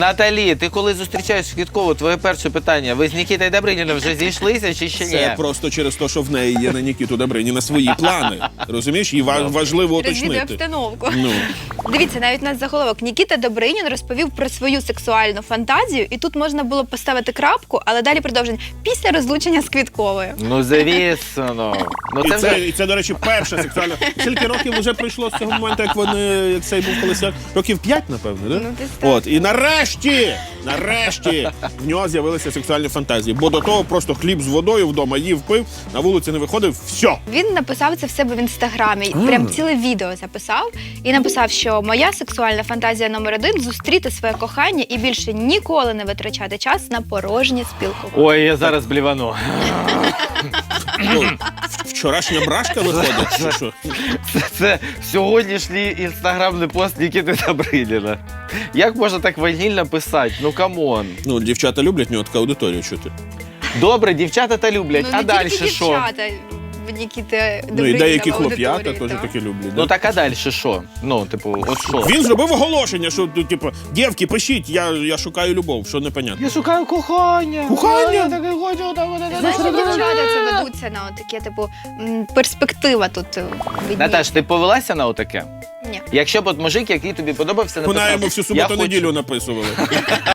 Наталі, ти коли зустрічаєш Квіткову, твоє перше питання, ви з Нікітою Добриніном вже зійшлися чи ще ні? Це просто через те, що в неї є на Нікіту Добриніна свої плани. Розумієш? І важливо Розвідує уточнити. обстановку. Ну. Дивіться, навіть у нас заголовок. Нікіта Добринін розповів про свою сексуальну фантазію, і тут можна було поставити крапку, але далі продовження. Після розлучення з Квітковою. Ну, звісно. Ну, це вже... І це, до речі, перша сексуальна. Скільки років вже пройшло з цього моменту, як цей був колись? Років 5, напевно, да? Ну, десь так. От, і нарешті в нього з'явилися сексуальні фантазії. Бо до того просто хліб з водою вдома їв, пив, на вулиці не виходив, все. Він написав це в себе в інстаграмі, прям ціле відео записав і написав, що моя сексуальна фантазія номер 1 – зустріти своє кохання і більше ніколи не витрачати час на порожнє спілкування. Ой, я зараз блівану. Ну, вчорашня брашка виходить, чи що? Це сьогоднішній інстаграмний пост Нікіти Добриніна. Як можна так ванільно писати? Ну, камон. Ну, дівчата люблять в нього така аудиторія чути. Добре, дівчата та люблять, Ну, а не далі тільки що? дівчата в Нікіти Ну, і Добриніна деякі в хлоп'ята аудиторії, теж так. такі люблять. Ну Да? так а далі що? Ну, типу, от що? Він зробив оголошення, що, типу, дівки, пишіть, я шукаю любов, що непонятно. Я шукаю кохання. Кохання? Я таке хочу, Знаєш, що дівчата це ведуться на таке, типу, перспектива тут видніє. Наташ, ти повелася на отаке? Ні. Якщо б от мужик, який тобі подобався, Вона написав, йому всю «Я хочу». суботу-неділю написували.